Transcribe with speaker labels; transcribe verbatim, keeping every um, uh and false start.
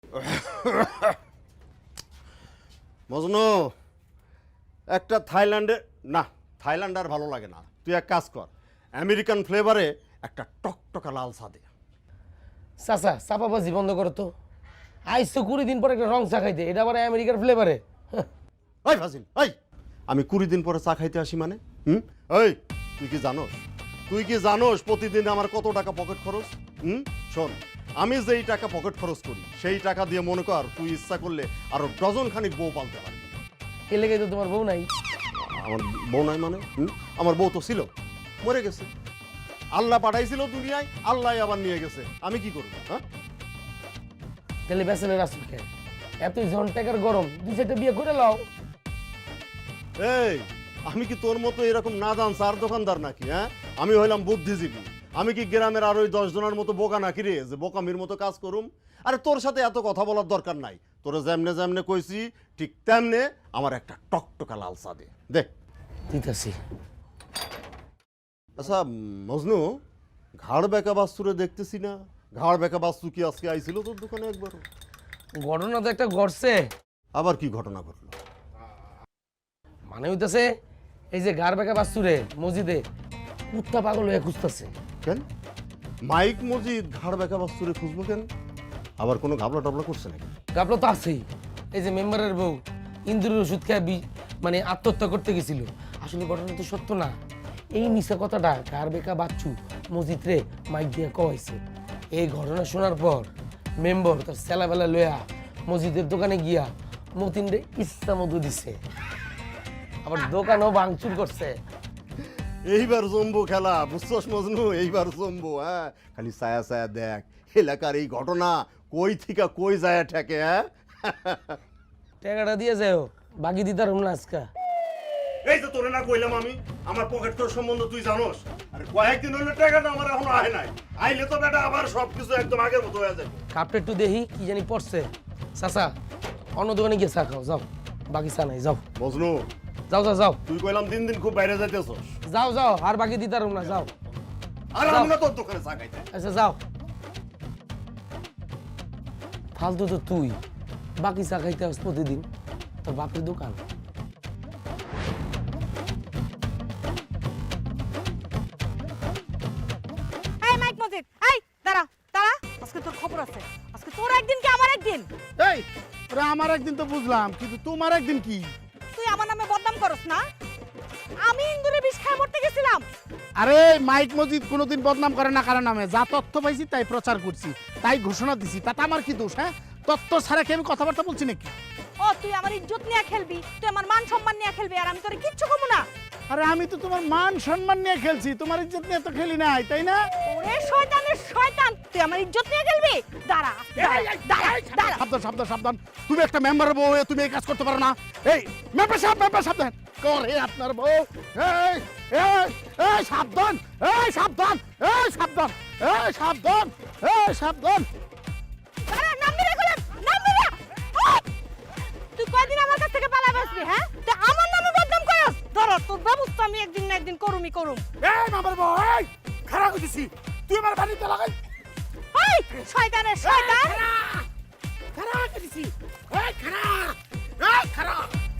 Speaker 1: মজনু একটা থাইল্যান্ডে না থাইল্যান্ড আর ভালো লাগে না, তুই এক কাজ কর, আমেরিকান ফ্লেভারে একটা টকটকা লাল চা দে।
Speaker 2: চাচা চাপাবাজি বন্ধ করো তো, আইসো কুড়ি দিন পরে একটা রং চা খাইতে, এটা আবার আমেরিকার ফ্লেভারে।
Speaker 1: ওই ফাজিল ওই, আমি কুড়ি দিন পরে চা খাইতে আসি মানে? হুম ওই তুই কি জানোস, তুই কি জানোস প্রতিদিন আমার কত টাকা পকেট খরচ? হুম শোন, আমি যেই টাকা পকেট খরচ করি সেই টাকা দিয়ে মনে কর তুই ইচ্ছা করলে আরো ডজন খানিক বউ পালতে পারবি।
Speaker 2: এ লেগে তো তোমার বউ নাই?
Speaker 1: আমার বউ নাই মানে? হুম আমার বউ তো ছিল, মরে গেছে। আল্লাহ পাঠাইছিল দুনিয়ায়, আল্লাহ আবার নিয়ে গেছে, আমি কি করবো? হ্যাঁ
Speaker 2: তাহলে বেসেলের আসল খেয়ে এতই জন টাকার গরম, দুই চারটা বিয়ে করে লাও।
Speaker 1: এই আমি কি তোর মতো এরকম না দান চার দোকানদার নাকি? হ্যাঁ আমি হইলাম বুদ্ধিজীবী, আমি কি গ্রামের আর ওই দশ জনের মতো বোকা নাকি রে যে বোকামির মতো কাজ করুম? আরে তোর সাথে এত কথা বলার দরকার নাই, তোরা যেমনে যেমনে কইছি ঠিক তেমনে আমার একটা টকটকা লাল চা দে দে।
Speaker 2: দিতেছি।
Speaker 1: আচ্ছা মজনু, ঘাড় বেঁকা বাস্তুরে দেখতেছি না, ঘাড় বেঁকা বাস্তু কি আজকে আইছিল তোর দোকানে একবারও?
Speaker 2: ঘটনা তো একটা ঘটছে।
Speaker 1: আবার কি ঘটনা ঘটলো?
Speaker 2: মানে হইতেছে এই যে গার বেকা বাস্তুরে মসজিদে কুত্তা পাগল হয়ে খুঁজতেছে।
Speaker 1: কেন মাইক মসজিদ ঘাড় বেঁকা বাস্তুরে খুঁজবো কেন? আবার কোনো ঘাবলা টাবলা করছে নাকি?
Speaker 2: গাবলো তো আছেই, এই যে মেম্বারের বউ ইন্দুরের ওষুধ খেয়ে বি- মানে আত্মহত্যা করতে গেছিল। আসলে ঘটনা তো সত্য না, এই মিশা কথাটা গার বেকা বাচ্চু মসজিদ রে মাইক দিয়ে কয়েছে। এই ঘটনা শোনার পর মেম্বার তার সেলাবেলা লয়া মসজিদের দোকানে গিয়া মতিন রে ইচ্ছা মধু দিছে, আবার দোকানও ভাঙচুর করছে।
Speaker 1: এইবার জম্বু খেলা বুঝছস মজনু, এইবার জম্বু। হ্যাঁ খালি ছায়া ছায়া দেখ, এলাকার এই ঘটনা কই থিকা কই যায় ঠেকে। হ্যাঁ
Speaker 2: টাকাটা দিয়ে যাও, বাকি দিতার না আজকা।
Speaker 1: এই যে তোরে না কইলাম আমি আমার পকেট তোর সম্বন্ধে তুই জানোস, আরে কয়েকদিন হইলে টাকাটা আমার এখনো আয় নাই, আইলে তো বেটা আবার সবকিছু একদম আগের মতো হয়ে যাবে।
Speaker 2: কাপটা একটু দেখি কি জানি পড়ছে। চাচা অন্য দোকানে গিয়ে চা খাও, যাও, বাকি চা নাই, যাও
Speaker 1: মজনু
Speaker 2: যাও যাও যাও
Speaker 1: তুই কইলাম দিন দিন খুব বাইরে যাইতেছস,
Speaker 2: যাও যাও, আর বাকি দিতার না, যাও।
Speaker 1: আর আমি না তোর দোকানে চা খাইতে।
Speaker 2: আচ্ছা যাও, ফালতু তো তুই, বাকি চা খাইতে আস প্রতিদিন, তোর বাপের দোকান।
Speaker 3: এই মাইক মজিদ, এই দাঁড়া দাঁড়া, আজকে তোর খবর আছে। আজকে তোর একদিন কি আমার একদিন?
Speaker 4: এই ওরা আমার একদিন তো বুঝলাম, কিন্তু তোমার একদিন কি?
Speaker 3: তুই আমার নামে বদনাম করস না? আমি ইন্দুরে বিষ খায় মরতে গেছিলাম।
Speaker 4: আরে মাইক মজিদ কোনোদিন বদনাম করে না কারণ নামে, যা তথ্য পাইছি তাই প্রচার করছি, তাই ঘোষণা দিছি, তাতে আমার কি দোষ? হ্যাঁ তথ্য ছাড়া কি আমি কথাবার্তা বলছি নাকি?
Speaker 3: ও তুই আমার ইজ্জত নিয়ে খেলবি, তুই আমার মান সম্মান নিয়ে খেলবি, আর আমি তোরে কিচ্ছু কমু না।
Speaker 4: আরে আমি তো তোমার মান সম্মান নিয়ে খেলছি, তোমার ইজ্জত নিয়ে তো খেলি নাই, তাই না?
Speaker 3: ওরে শয়তানের শয়তান, তুই আমার ইজ্জত নিয়ে খেলবি? দাঁড়া দাঁড়া দাঁড়া দাঁড়া।
Speaker 4: সাবধান সাবধান সাবধান, তুমি একটা মেম্বারের বউ হয়ে তুমি এই কাজ করতে পারো না। এই মেম্বার সাহেব, মেম্বার সাবধান করে আপনার বউ। এই এই এই সাবধান, এই সাবধান, এই সাবধান, এই সাবধান, এই সাবধান।
Speaker 3: দাঁড়া, নামবি না গোলাম, নামবি না। ওই! তুই কয়দিন আমার কাছ থেকে পালা বাঁচবি? হ্যাঁ তুই আমার নামে বদনাম করস, ধরো তোর ব্যবস্থা আমি একদিন না একদিন করুমই করুম।
Speaker 4: এই মেম্বার বউ, এই খারাপ হইছিস তুই আমার বাড়িতে লাগাই।
Speaker 3: এই শয়তানের শয়তান,
Speaker 4: খারাপ হইছিস, এই খারাপ, এই খারাপ।